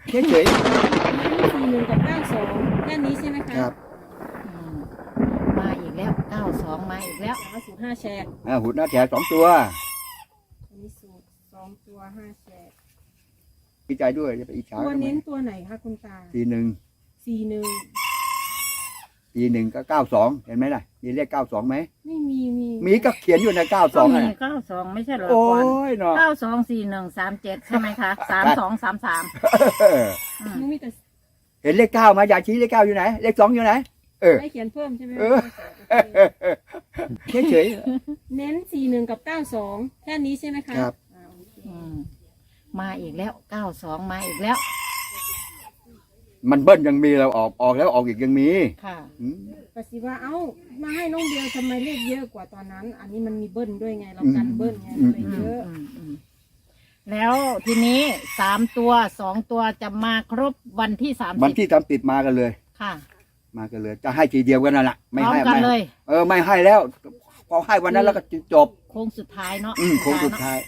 เฉย 41กับ92แค่นี้ใช่ไหมคะครับมาอีกแล้ว92มาอีกแล้วสูตร5แฉกหุ่นหน้าแถว2 ตัวอันนี้สูตร2ตัว5แฉกดีใจด้วยจะไปอิจฉาตัวกันไหมเน้นตัวไหนคะคุณตา 41 41 41ก็92เห็นไหมล่ะมีเลข92ไหมไม่มีมีก็เขียนอยู่ในก็ 92 มีอ่ะ 92ไม่ใช่เหรอโอ้ก่อนยเนาะ 924137ใช่ไหมคะ3233 เออหนูมีแต่เห็นเลข9มาอยากชี้เลข9อยู่ไหนเลข2อยู่ไหนให้เขียนเพิ่มใช่ไหมเออ เฉยเน้น41กับ92แค่นี้ใช่ไหมคะครับโอเคมาอีกแล้ว92มาอีกแล้วมันเบิ้ลยังมีเราออกแล้วออกอีกยังมีค่ะอืมปสิว่าเอ้ามาให้น้องเดียวทำไมเลขเยอะกว่าตอนนั้น อันนี้มันมีเบิ้ลด้วยไงเรากันเบิ้ลไงเลยเยอะแล้วทีนี้3ตัว2ตัวจะมาครบวันที่30 วันที่30มากันเลยค่ะมากันเลย จะให้ทีเดียวกันนั่นแหละพร้อมให้กันเลยไม่ให้แล้วพอให้วันนั้นแล้วก็จบโค้งสุดท้ายเนาะโค้งสุดท้าย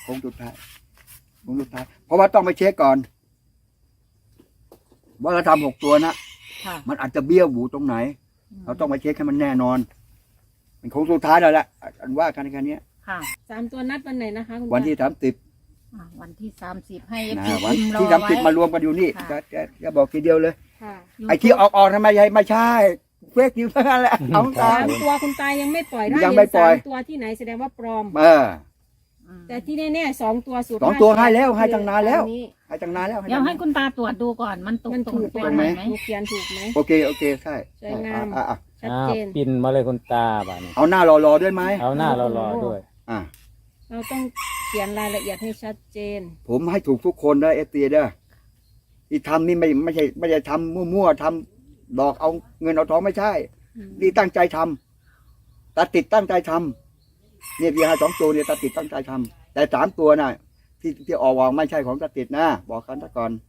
เพราะว่าต้องไปเช็คก่อนว่าเราทำ6 ตัวนะค่ะมันอาจจะเบี้ยวหูตรงไหน เราต้องไปเช็คให้มันแน่นอนมันโค้งสุดท้ายแล้วแหละอันว่ากันแค่นี้ค่ะ 3ตัวนัดวันไหนนะคะคุณตาวันที่30 วันที่30ให้นะพี่วันพิมพ์รอที่ไว้ 30มารวมกันอยู่นี่ค่ะจะบอกทีเดียวเลยค่ะไอ้ที่ออกทำไมไม่ใช่เฟกนิวส์ทั้งนั้นแหละเอาตาม 3ตัวคุณตายังไม่ปล่อยถ้ายังเห็ไม่นปล่อย 3ตัวที่ไหนแสดงว่าปลอม แต่ที่แน่ๆ2ตัวสูตร 2 ตัว 5 ให้แล้วให้ตั้งนานแล้วอัให้ตั้งนานแล้วเดี๋ยวให้คุณตาตรวจดูก่อนมันตรงมันถูกตรงไหมไหมหนูเขียนถูกไหมโอเคใช่สวยงาม ชัดอ้าวเจนปินมาเลยคุณตาบ้านี่เอาหน้ารอด้วยไหมเอาหน้ารอๆด้วยอ่ะเราต้องเขียนรายละเอียดให้ชัดเจนผมให้ถูกทุกคนนะเอฟซีเด้อที่ทำนี่ไม่ใช่ทำมั่วๆทำหลอกเอาเงินเอาทองไม่ใช่ นี่ตั้งใจทำตาติดตั้งใจทำเนี่ยพี่ให้2 ตัวเนี่ยตาติดตั้งใจทำแต่3 ตัวน่ะที่ออกไม่ใช่ของตาติดนะบอกกันซะก่อน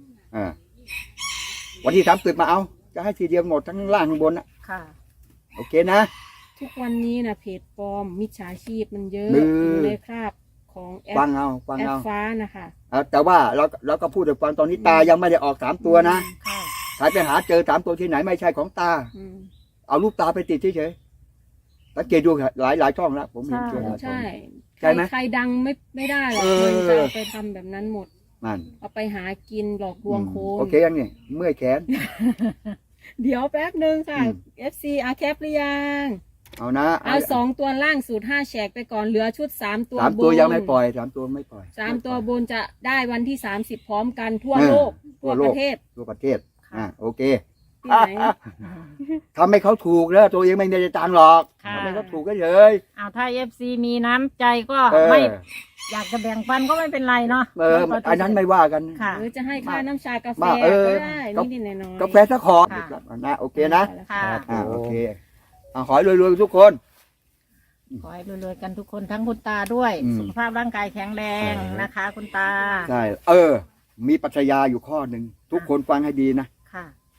วันที่30มาเอาจะให้ทีเดียวหมดทั้งล่างข้างบนนะค่ะโอเคนะทุกวันนี้นะเพจปลอมมิจฉาชีพมันเยอะมือออยู่ในคราบของแอฟัปงเอาฟ้านะคะแต่ว่าเราก็พูดถึงฟังตอนนี้ตายังไม่ได้ออก3 ตัวนะค่ะใครไปหาเจอ3 ตัวที่ไหนไม่ใช่ของตาอืมเอารูปตาไปติดเฉยๆสังเกตดูหลายช่องแล้วผมเห็นเจอหลายช่องใช่ใช่ไหมใครดังไม่ได้หรอกเออมันจะเอาไปทำแบบนั้นหมดนั่นเอาไปหากินหลอกลวงโคนโอเคยังนี่เมื่อยแขนเดี๋ยวแป๊บนึงค่ะอืม FC อาแคปหรือยังเอานะเอา2 ตัวล่างสูตร5แฉกไปก่อนเหลือชุด3 ตัว 3 บตัวน ยังไม่ปล่อย3 ตัวไม่ปล่อย 3 ตัวบนจะได้วันที่30พร้อมกันทั่วเออโลกทั่ทั่ววโลปกระเทศทั่วประเทศโอเคที่ไหนทำให้เขาถูกแล้วตัวเองไม่ได้ตังค์หรอกค่ะทำให้เขาถูกก็เฉยเอาถ้า FC มีน้ำใจก็เออไม่อยากจะแบ่งปันก็ไม่เป็นไรเนาะอันนั้นไม่ว่ากันหรือจะให้ค่าน้ำชากาแฟมาก็ได้นิดๆหน่อยๆกาแฟสักขอค่ะนะโอเคนะค่ะโอเคขอให้รวยๆทุกคนขอให้รวยๆกันทุกคนทั้งคุณตาด้วยอืมสุขภาพร่างกายแข็งแรงนะคะ คุณตาใช่มีปรัชญาอยู่ข้อหนึ่งทุกคนฟังให้ดีนะค่ะ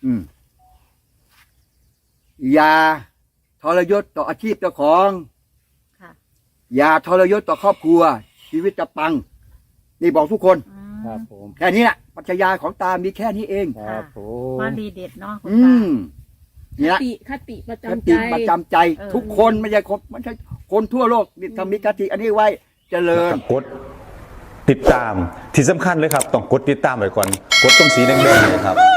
อย่าทรยศต่ออาชีพเจ้าของค่ะอย่าทรยศต่อครอบครัว ชีวิตจะปัง นี่บอกทุกคนครับผมแค่นี้แหละปรัชญาของตามีแค่นี้เองครับผมว่าดีเด็ดเนาะคุณอืตามนี่ละคติประคจำใจติประจำใจเออทุกคนไม่ใช่คนทั่วโลกนี่ทำมีคติอันนี้ไว้เจริญกดติดตามที่สำคัญเลยครับ ต้องกดติดตามไว้ก่อน กดตรงสีแดงๆเนยครับ